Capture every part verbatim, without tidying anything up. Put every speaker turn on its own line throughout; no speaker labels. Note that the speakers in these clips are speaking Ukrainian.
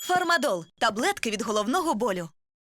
Фармадол – таблетки від головного болю.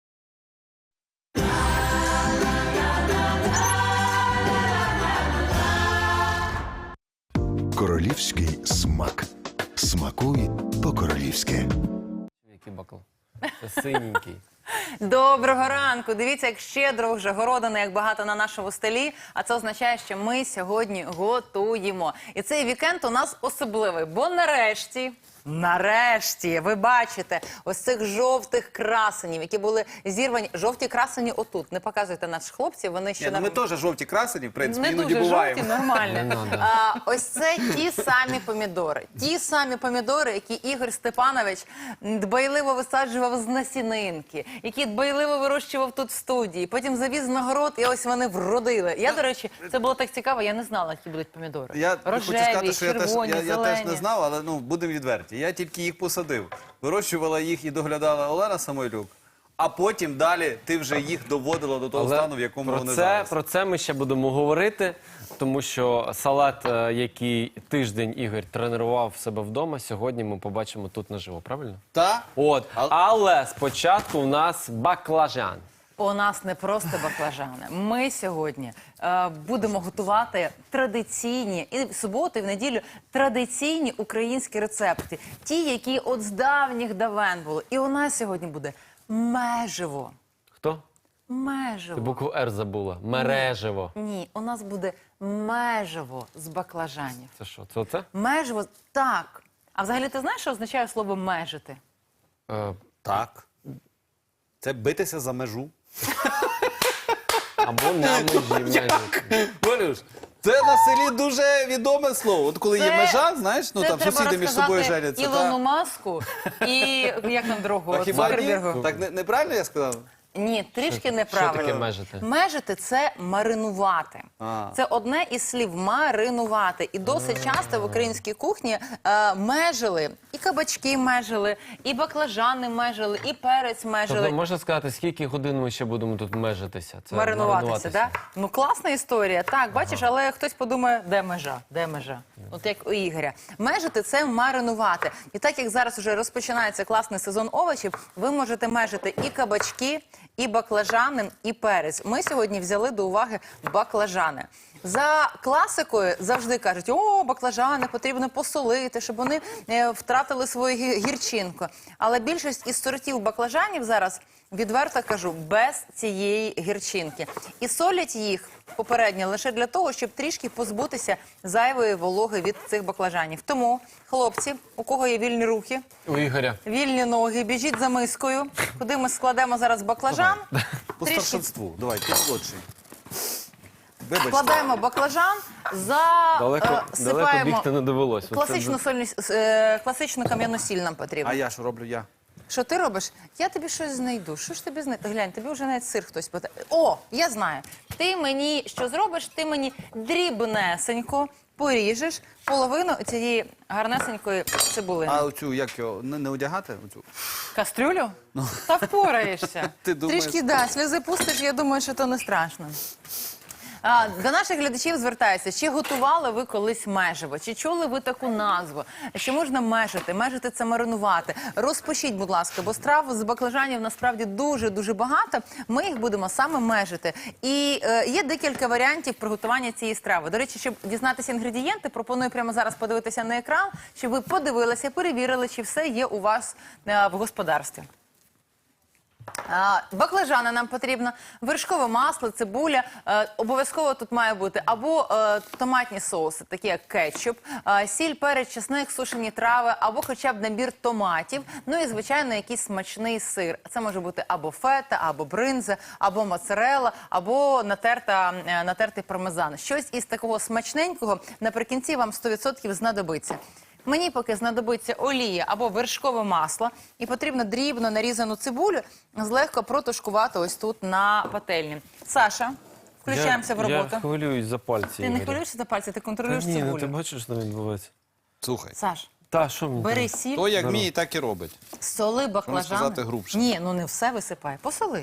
Королівський смак. Смакуй по-королівськи.
Який бакл? Це синенький.
Доброго ранку! Дивіться, як щедро вже городина, як багато на нашому столі. А це означає, що ми сьогодні готуємо. І цей вікенд у нас особливий, бо нарешті, нарешті, ви бачите ось цих жовтих красенів, які були зірвані. Жовті красені отут. Не показуйте наших хлопців, вони ще...
Ні, ну
на...
ми теж жовті красені, в принципі,
Не
іноді
дуже
буваємо.
жовті, нормально.
Не надо.
А, ось це ті самі помідори. Ті самі помідори, які Ігор Степанович дбайливо висаджував з насінинки, які дбайливо вирощував тут в студії. Потім завіз на город, і ось вони вродили. Я, до речі, це було так цікаво, я не знала, які будуть помідори.
Я
Рожеві,
хочу сказати, що я теж,
червоні,
я, я
зелені.
теж не знав, але ну, будемо відверті. Я тільки їх посадив. Вирощувала їх і доглядала Олена Самойлюк, а потім далі ти вже їх доводила до того
Але
стану, в якому
про
вони
це,
зараз.
Про це ми ще будемо говорити, тому що салат, е, який тиждень Ігор тренував в себе вдома, сьогодні ми побачимо тут наживо, правильно?
Та?
От,
А-
але спочатку у нас баклажан.
У нас не просто баклажани. Ми сьогодні е, будемо готувати традиційні, і в суботу, і в неділю, традиційні українські рецепти. Ті, які от з давніх давен були. І у нас сьогодні буде меживо.
Хто?
Меживо.
Ти букву Р забула. Мережево.
Ні, у нас буде меживо з баклажанів.
Це що, це оце?
Меживо, так. А взагалі ти знаєш, що означає слово межити?
Е,
Так. Це битися за межу.
або на межі. межі.
Валюш, це на селі дуже відоме слово. От коли є
Це-
межа, знаєш, ну
Це
там
треба
сусіди між собою
розказати
женяться.
Ілону
та-
Маску і, як там другого,
А хіба ні?
Цукербергу.
Так не- неправильно я сказав?
Ні, трішки
Що
неправильно.
таке межити?
Межити – це маринувати.
А.
Це одне із слів маринувати. І досить часто в українській кухні е, межили, і кабачки межили, і баклажани межили, і перець межили.
Тобто можна сказати, скільки годин ми ще будемо тут межитися? Це
Маринуватися, так? Да? Ну, класна історія. Так, бачиш, але хтось подумає, де межа, де межа? От як у Ігоря. Межити – це маринувати. І так, як зараз вже розпочинається класний сезон овочів, ви можете межити і кабачки, і баклажани, і перець. Ми сьогодні взяли до уваги баклажани. За класикою завжди кажуть, о, баклажани потрібно посолити, щоб вони е, втратили свою гі- гірчинку. Але більшість із сортів баклажанів зараз, відверто кажу, без цієї гірчинки. І солять їх попередньо лише для того, щоб трішки позбутися зайвої вологи від цих баклажанів. Тому, хлопці, у кого є вільні руки,
У Ігоря.
вільні ноги, біжіть за мискою, куди ми складемо зараз баклажан.
По
Трішки
старшинству. Давай, ти молодший. Вибачте.
Складаємо баклажан, за
Далеко,
е,
далеко
сипаємо
бігти не довелось. Оце
класичну сольну, е, класичну кам'яну сіль нам потрібно.
А я що роблю я?
Що ти робиш? Я тобі щось знайду. Що ж тобі знайти? Глянь, тобі вже навіть сир хтось питає. О, я знаю. Ти мені що зробиш? Ти мені дрібнесенько поріжеш половину цієї гарнесенької цибулини.
А оцю, як його, не, не одягати? Оцю?
Кастрюлю? Та впораєшся.
Ти думаєш?
Трішки, да, сльози пустиш, я думаю, що то не страшно. А, до наших глядачів звертаюся, чи готували ви колись меживо, чи чули ви таку назву, чи можна межити, межити – це маринувати. Розпишіть, будь ласка, бо страв з баклажанів насправді дуже-дуже багато, ми їх будемо саме межити. І е, є декілька варіантів приготування цієї страви. До речі, щоб дізнатися інгредієнти, пропоную прямо зараз подивитися на екран, щоб ви подивилися, перевірили, чи все є у вас е, в господарстві. А, Баклажани нам потрібно, вершкове масло, цибуля, е, обов'язково тут має бути або е, томатні соуси, такі як кетчуп, е, сіль, перець, чесник, сушені трави, або хоча б набір томатів, ну і, звичайно, якийсь смачний сир. Це може бути або фета, або бринза, або моцарелла, або натерта, е, натертий пармезан. Щось із такого смачненького наприкінці вам сто відсотків знадобиться. Мені поки знадобиться олія або вершкове масло, і потрібно дрібно нарізану цибулю злегка протушкувати ось тут на пательні. Саша, включаємося в роботу.
Я хвилююсь за пальці,
Ти не
Ігоря.
хвилюєшся за пальці, ти
Та
контролюєш
ні, ну
цибулю.
ти бачиш, що там відбувається?
Слухай.
Саш,
Та, що мені?
бери
треба?
сіль,
То як вміє, так і робить.
соли баклажани.
сказати, грубше.
Ні, ну не все висипай, посоли.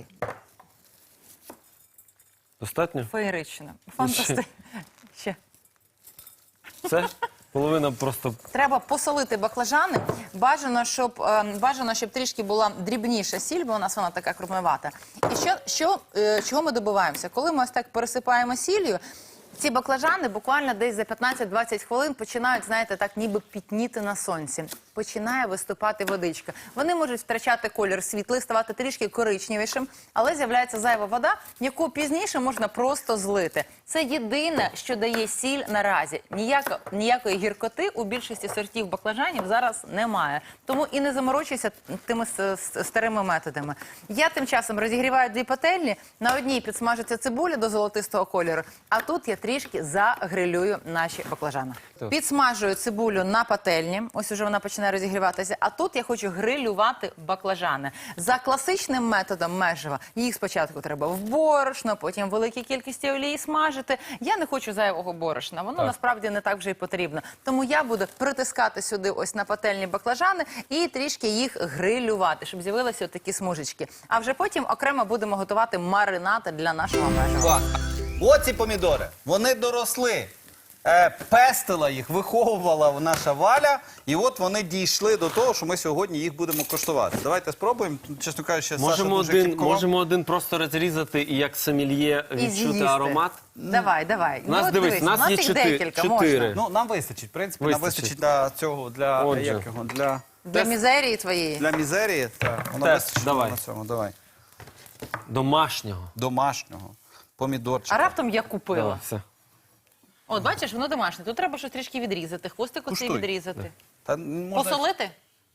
Достатньо?
Феєрично. Фантастично. Ще.
Це? Половина просто
Треба посолити баклажани. Бажано, щоб е, бажано, щоб трішки була дрібніша сіль, бо у нас вона така крупновата. І що, що е, чого ми добиваємося? Коли ми ось так пересипаємо сіллю, ці баклажани буквально десь за п'ятнадцять-двадцять хвилин починають, знаєте, так ніби пітніти на сонці. Починає виступати водичка. Вони можуть втрачати колір світлий, ставати трішки коричневішим, але з'являється зайва вода, яку пізніше можна просто злити. Це єдине, що дає сіль наразі. Ніяко, ніякої гіркоти у більшості сортів баклажанів зараз немає. Тому і не заморочуйся тими с- с- старими методами. Я тим часом розігріваю дві пательні, на одній підсмажиться цибуля до золотистого кольору, а тут я трішки загрилюю наші баклажани.
Так.
Підсмажую цибулю на пательні, ось уже вона починає розігріватися, а тут я хочу грилювати баклажани. За класичним методом межева їх спочатку треба в борошно, потім в великій кількості олії смажити. Я не хочу зайвого борошна, воно
Так.
насправді не так вже і потрібно. Тому я буду притискати сюди ось на пательні баклажани і трішки їх грилювати, щоб з'явилися такі смужечки. А вже потім окремо будемо готувати маринад для нашого межева.
Клас. Оці помідори, вони доросли. Е, пестила їх, виховувала наша Валя, і от вони дійшли до того, що ми сьогодні їх будемо коштувати. Давайте спробуємо. Чесно кажучи, Саша
можемо
дуже
один,
кіпкував.
можемо один просто розрізати і як сомельє
І
відчути
з'їсти.
аромат.
Давай, давай.
Нас,
от
дивись,
дивись,
нас
у нас
є
їх
чотири-
декілька,
чотири.
можна.
Ну, нам вистачить, в принципі, нам
Вистачить.
вистачить для цього, для,
Отже.
як його, для,
Для мізерії твоєї.
для мізерії. Так, воно
Тест,
вистачить
давай.
на цьому, давай.
Домашнього.
Домашнього, помідорчика.
А раптом я купила.
Давай, все.
От, бачиш, воно домашнє. Тут треба щось трішки відрізати, хвостик оцей
Куштуй.
відрізати.
Та можна...
Посолити?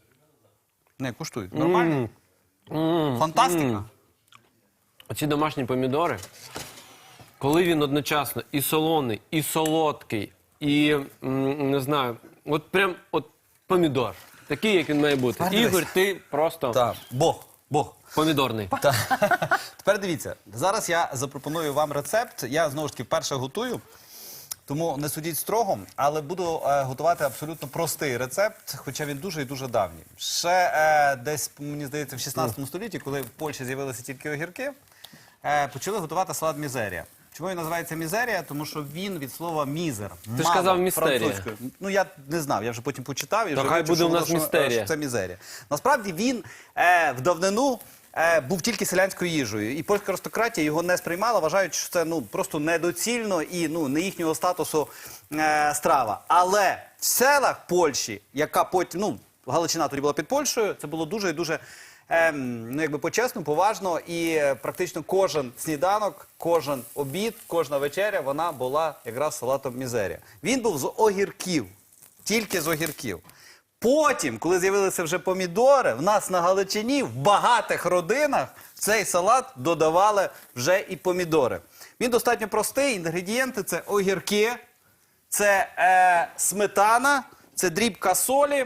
Не, куштуй. Нормально? Фантастика.
Оці домашні помідори, коли він одночасно і солоний, і солодкий, і, м, не знаю, от прям от помідор. Такий, як він має бути.
Тепер дивись.
Ігор, ти просто
Так, Бог, Бог.
помідорний.
Тепер дивіться, зараз я запропоную вам рецепт. Я знову ж таки вперше готую, тому не судіть строго, але буду е, готувати абсолютно простий рецепт, хоча він дуже і дуже давній. Ще е, десь, мені здається, в шістнадцятому столітті, коли в Польщі з'явилися тільки огірки, е, почали готувати салат мізерія. Чому він називається мізерія? Тому що він від слова мізер.
Ти ж
мало,
казав містерія.
французькою. Ну я не знав, я вже потім почитав і
То
вже
хай
вивчив,
буде
що
у нас
воно, що,
містерія.
що це мізерія. Насправді він е, в давнину е, був тільки селянською їжею, і польська аристократія його не сприймала, вважаючи, що це ну просто недоцільно і ну не їхнього статусу е, страва. Але в селах Польщі, яка потім ну Галичина тоді була під Польщею, це було дуже і дуже. Ем, ну, якби по-чесному, поважно, і е, практично кожен сніданок, кожен обід, кожна вечеря, вона була якраз салатом мізерія. Він був з огірків, тільки з огірків. Потім, коли з'явилися вже помідори, в нас на Галичині, в багатих родинах в цей салат додавали вже і помідори. Він достатньо простий, інгредієнти – це огірки, це е, сметана, це дрібка солі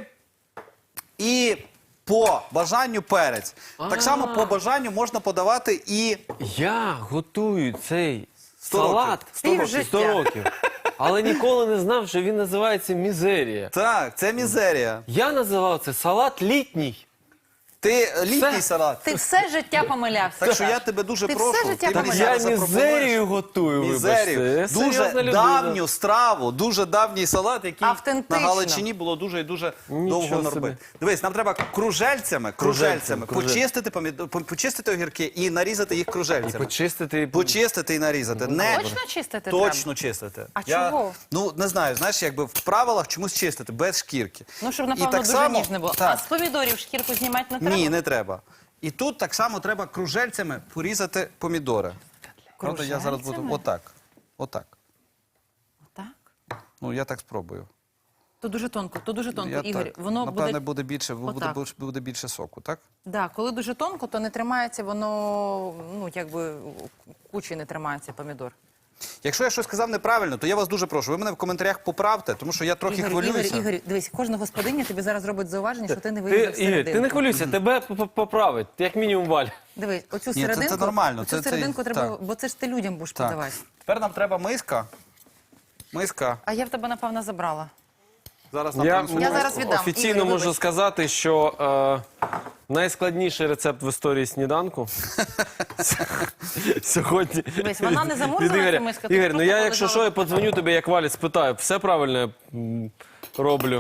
і по бажанню перець. Так само по бажанню можна подавати і
Я готую цей
Сто
салат
років. Сто років.
сто років. Але ніколи не знав, що він називається мізерія.
так, це мізерія.
Я називав це салат літній.
Ти літній
Все.
салат.
Ти все життя помилявся.
Так що я тебе дуже
Ти
прошу.
все життя
ти мені
помиляв.
Я
зараз запропонуєш
мізерію готую,
Мізерію.
вибачте. Я
Дуже
серйозна людина.
давню страву, дуже давній салат, який
Автентично.
на Галичині було дуже і дуже
Нічого
довго
собі.
робити. Дивись, нам треба кружельцями, кружельцями,
Кружельцями,
почистити, помідо- по- почистити огірки і нарізати їх
І
кружельцями.
почистити. і-
Почистити і нарізати. Не
Точно чистити
точно чистити.
А
Я,
чого?
Ну, не знаю, знаєш, якби в правилах чомусь чистити, без шкірки.
Ну, щоб,
І
напевно,
так
дуже
само-
ніжне було.
Так.
А з помідорів шкірку знімати не треба?
Ні, не треба. І тут так само треба кружельцями порізати помідори. Правда, я зараз буду
Кружельцями?
отак. Отак.
Так.
Ну, я так спробую.
То дуже тонко, то дуже тонко.
Я
Ігор,
так.
воно
Напевне,
буде...
буде більше, буде,
Отак.
буде, буде більше соку, так?
Да, коли дуже тонко, то не тримається воно, ну, якби кучі не тримається помідор.
Якщо я щось сказав неправильно, то я вас дуже прошу. Ви мене в коментарях поправте, тому що я трохи
Ігор,
хвилююся.
Ігор, Ігор, дивись, кожна господиня тобі зараз робить зауваження, що ти не
Ти,
вирізав
Ігор,
серединку.
ти не хвилюйся, тебе п- п- поправить, як мінімум Валь.
Дивись, оцю
Ні, це-
серединку,
це нормально,
оцю
це- це-
серединку треба,
так.
бо це ж ти людям будеш
Так.
подавати.
Тепер нам треба миска. Миска.
А я в тебе, напевно, забрала.
Зараз нам
Я,
принесуть
Я
миску.
зараз віддам.
офіційно
Ігор,
можу
вибач.
сказати, що е, найскладніший рецепт в історії сніданку сьогодні.
Дивись, вона не замурзана,
від Ігоря.
ця миска, тут
Ігор, ну
просто
я, якщо
полежала.
що, я подзвоню тобі, як Валі, спитаю, все правильно я м, роблю.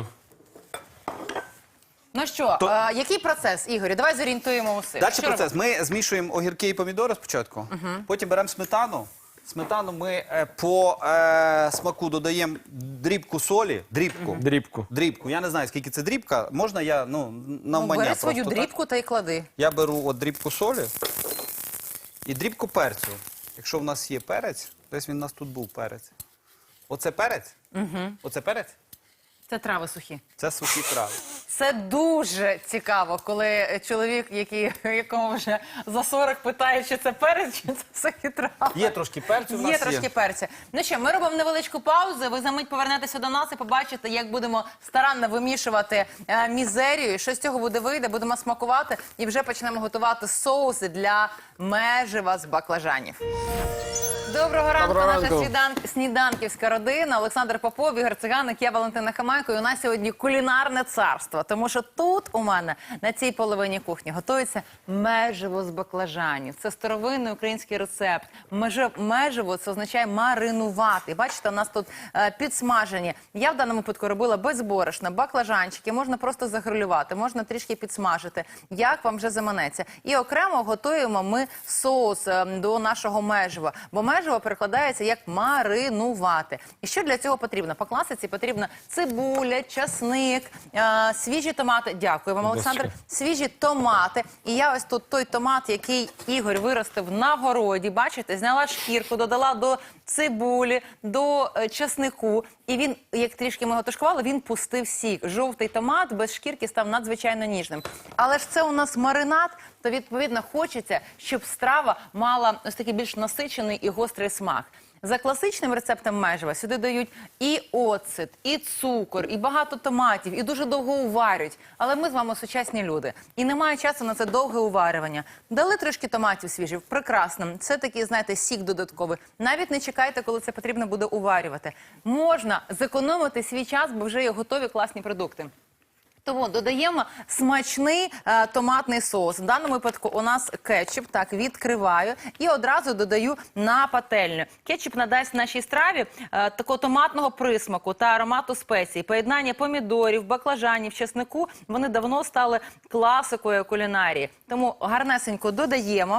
Ну що, е, який процес, Ігорю? Давай зорієнтуємо усіх.
Далі
Що
процес.
робимо?
Ми змішуємо огірки і помідори спочатку, потім беремо сметану. Сметану ми е, по е, смаку додаємо дрібку солі. Дрібку.
Дрібку.
Дрібку. Я не знаю, скільки це дрібка. Можна я, ну,
Ну,
навмання
бери
просто
свою
так?
дрібку та й клади.
Я беру от дрібку солі і дрібку перцю. Якщо в нас є перець, десь він у нас тут був перець. Оце перець? Угу. Оце перець?
Це трави сухі.
Це сухі трави.
Це дуже цікаво, коли чоловік, який, якому вже за сорок, питає, чи це перець, чи це сухі трави.
Є трошки перцю в нас
Є трошки
є.
перця. Ну що, ми робимо невеличку паузу. Ви за мить повернетеся до нас і побачите, як будемо старанно вимішувати е, мізерію. Що з цього буде вийде, будемо смакувати і вже почнемо готувати соуси для межива з баклажанів. Доброго ранку,
Доброго
наша
ранку.
снідан- сніданківська родина. Олександр Попов, Ігор Циганик, я Валентина Хамайко. І у нас сьогодні кулінарне царство. Тому що тут у мене на цій половині кухні готується меживо з баклажанів. Це старовинний український рецепт. Межи- Меживо – це означає маринувати. Бачите, у нас тут е, підсмажені. Я в даному випадку робила без борошна, баклажанчики. Можна просто загрилювати, можна трішки підсмажити. Як вам вже заманеться. І окремо готуємо ми соус е, до нашого межива. Бо меживо перекладається як маринувати. І що для цього потрібно? По класиці потрібна цибуля, часник, е, свіжі томати. Дякую вам, Олександр. Свіжі томати. І я ось тут той томат, який Ігор виростив на городі. Бачите, зняла шкірку, додала до цибулі, до е, часнику. І він, як трішки ми його тушкували, він пустив сік. Жовтий томат без шкірки став надзвичайно ніжним. Але ж це у нас маринад, то відповідно хочеться, щоб страва мала ось такий більш насичений і гострий смак. За класичним рецептом межива сюди дають і оцет, і цукор, і багато томатів, і дуже довго уварюють. Але ми з вами сучасні люди. І немає часу на це довге уварювання. Дали трошки томатів свіжих, прекрасно. Це такий, знаєте, сік додатковий. Навіть не чекайте, коли це потрібно буде уварювати. Можна зекономити свій час, бо вже є готові класні продукти. Тому додаємо смачний е, томатний соус. В даному випадку у нас кетчуп. Так, відкриваю і одразу додаю на пательню. Кетчуп надасть нашій страві е, такого томатного присмаку та аромату спецій. Поєднання помідорів, баклажанів, чеснику, вони давно стали класикою кулінарії. Тому гарнесенько додаємо,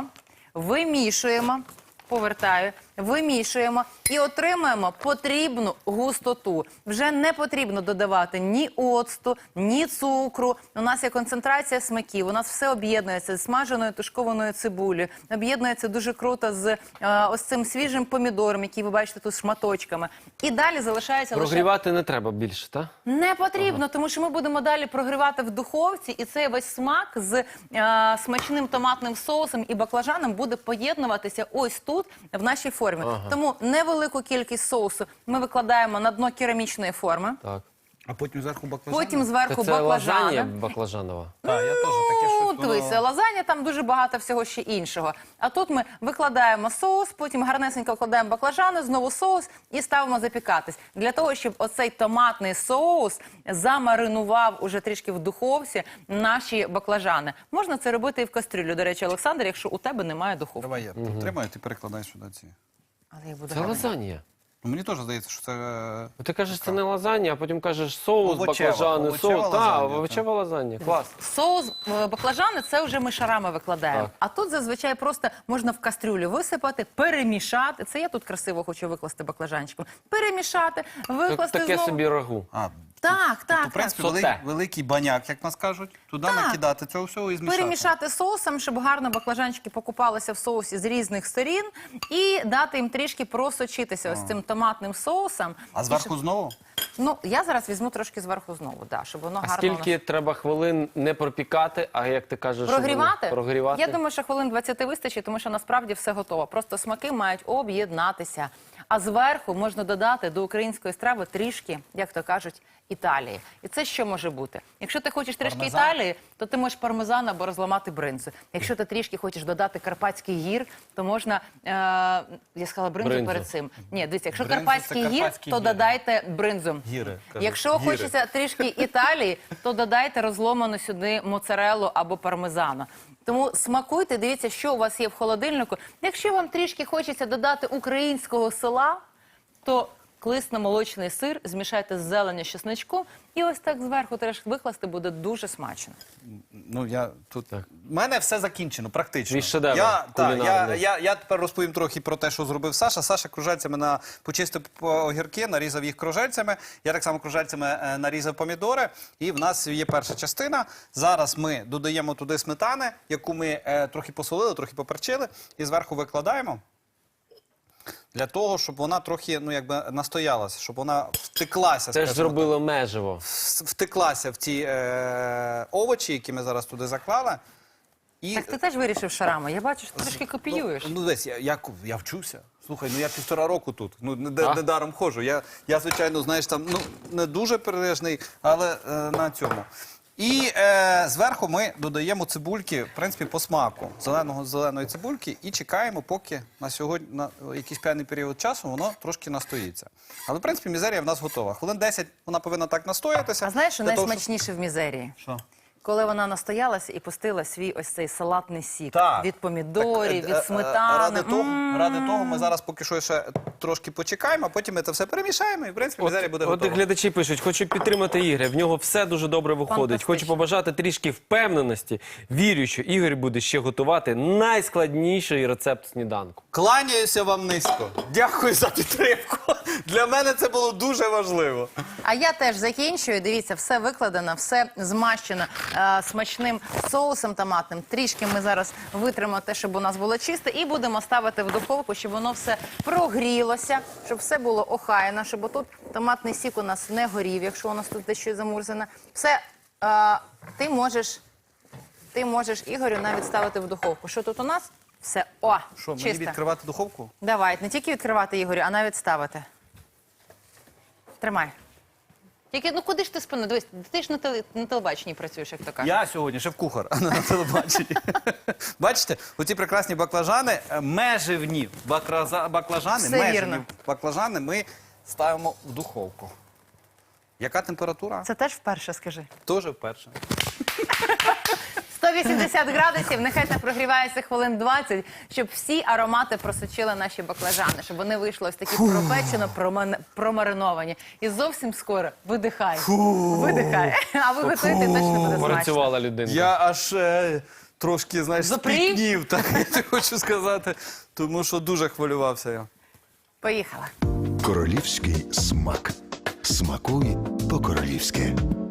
вимішуємо. Повертаю, вимішуємо і отримуємо потрібну густоту. Вже не потрібно додавати ні оцту, ні цукру. У нас є концентрація смаків, у нас все об'єднується з смаженою тушкованою цибулею, об'єднується дуже круто з е, ось цим свіжим помідором, який ви бачите тут шматочками. І далі залишається лише...
Прогрівати не треба більше, так?
Не потрібно, тому що ми будемо далі прогрівати в духовці, і цей весь смак з е, смачним томатним соусом і баклажаном буде поєднуватися ось тут, в нашій формі. Тому невелику кількість соусу ми викладаємо на дно керамічної форми,
Так.
А потім зверху баклажани?
потім зверху
Це лазанья
баклажани.
баклажанова.
Так, я теж таке
Ну,
щось.
дивися,
воно-
лазанья, там дуже багато всього ще іншого. А тут ми викладаємо соус, потім гарнесенько вкладаємо баклажани, знову соус і ставимо запікатись. Для того, щоб оцей томатний соус замаринував уже трішки в духовці наші баклажани. Можна це робити і в кастрюлю, до речі, Олександр, якщо у тебе немає духовки.
Давай я підтримаю, ти перекладай сюди ці.
Але я буду
Це
гарно.
лазанья.
Ну, мені теж здається, що це... е,
Ну, ти кажеш, це не лазанья, а потім кажеш соус,
Овочева,
баклажани,
овочева
соус. Так,
лазанья,
овочева лазанья. Клас.
Соус е, баклажани – це вже ми шарами викладаємо.
Так.
А тут зазвичай просто можна в кастрюлю висипати, перемішати. Це я тут красиво хочу викласти баклажанчиком. Перемішати,
Тут
викласти
таке
знову.
собі рагу.
А,
Так, так,
то, в принципі,
так.
Соте.
великий, великий баняк, як нас кажуть, туди
Так.
накидати цього всього і змішати.
Перемішати соусом, щоб гарно баклажанчики покупалися в соусі з різних сторін і дати їм трішки просочитися ось цим томатним соусом.
А зверху знову?
Ну, я зараз візьму трошки зверху знову, да, щоб воно
А
гарно...
скільки треба хвилин не пропікати, а як ти кажеш, щоб
Прогрівати?
вони- прогрівати?
Я думаю, що хвилин двадцять вистачить, тому що насправді все готово. Просто смаки мають об'єднатися. А зверху можна додати до української страви трішки, як то кажуть, Італії. І це що може бути? Якщо ти хочеш трішки
Пармезан?
Італії, то ти можеш пармезан або розламати бринзу. Якщо ти трішки хочеш додати Карпатський гір, то можна, е, я сказала бринзу,
Бринзу.
перед цим. Ні, дивіться, якщо
Бринзу – це
Карпатський гір,
карпатські
то
гіри.
додайте бринзу.
Гіри, кажуть.
Якщо
Гіри.
хочеться трішки Італії, то додайте розломану сюди моцареллу або пармезану. Тому смакуйте, дивіться, що у вас є в холодильнику. Якщо вам трішки хочеться додати українського села, то кисломолочний сир, змішайте з зеленню з чесничком і ось так зверху теж викласти буде дуже смачно.
Ну, я тут... У мене все закінчено, практично.
Твій шедевр
я, та, я,
кулінарний.
я, я тепер розповім трохи про те, що зробив Саша. Саша кружальцями на, почистив огірки, нарізав їх кружальцями. Я так само кружальцями е, нарізав помідори. І в нас є перша частина. Зараз ми додаємо туди сметани, яку ми е, трохи посолили, трохи поперчили. І зверху викладаємо. Для того, щоб вона трохи, ну, якби настоялася, щоб вона втеклася.
Це ж
скажімо
зробило меживо.
так. Втеклася в ті е, овочі, які ми зараз туди заклали. І,
Так ти теж вирішив шарами. Я бачу, що ти трішки копіюєш.
Ну, ну десь, я, я, я вчуся. Слухай, ну я півтора року тут, ну не,
А?
не даром ходжу. Я, я, звичайно, знаєш, там, ну, не дуже перележний, але е, на цьому. І е, зверху ми додаємо цибульки, в принципі, по смаку, зеленого зеленої цибульки, і чекаємо, поки на сьогодні, на якийсь певний період часу, воно трошки настоїться. Але, в принципі, мізерія в нас готова. Хвилин десять вона повинна так настоятися.
А знаєш, що
для того,
найсмачніше в мізерії?
Що?
Коли вона настоялася і пустила свій ось цей салатний сік
Так.
від помідорів,
Так, е, е,
від сметани.
Ради того,
М.
ради того ми зараз поки що ще трошки почекаємо, а потім ми це все перемішаємо і, в принципі, мізерія буде
От
готова.
глядачі пишуть, хочу підтримати Ігоря, в нього все дуже добре виходить.
Фантастично.
Хочу побажати трішки впевненості. Вірю, що Ігор буде ще готувати найскладніший рецепт сніданку.
Кланяюся вам низько. Дякую за підтримку. Для мене це було дуже важливо.
А я теж закінчую. Дивіться, все викладено, все змащено е, смачним соусом томатним. Трішки ми зараз витримо те, щоб у нас було чисте, і будемо ставити в духовку, щоб воно все прогрілося, щоб все було охайно, щоб отут томатний сік у нас не горів, якщо у нас тут дещо замурзане. Все, е, ти можеш, ти можеш, Ігорю, навіть ставити в духовку. Що тут у нас? Все, о,
Що, мені
чисто.
відкривати духовку?
Давай, не тільки відкривати, Ігорю, а навіть ставити. Тримай. Тільки, ну куди ж ти спину? Дивись, ти ж на, теле, на телебаченні працюєш, як то кажуть.
Я сьогодні шеф-кухар, а не на телебаченні. Бачите, оці прекрасні баклажани, е, меживні бакраза- баклажани,
Все
меживні
вірно.
баклажани ми ставимо в духовку. Яка температура?
Це теж вперше, скажи.
Теж вперше.
сто вісімдесят градусів, нехай так прогрівається хвилин двадцять, щоб всі аромати просочили наші баклажани, щоб вони вийшли ось такі пропечено, проман- промариновані. І зовсім скоро видихай. Видихай. А ви готуєте, точно буде смачно.
Працювала людина.
Я аж е, трошки, знаєш,
Запрів?
спітнів, так я хочу сказати, тому що дуже хвилювався я.
Поїхала.
Королівський смак. Смакуй по-королівськи.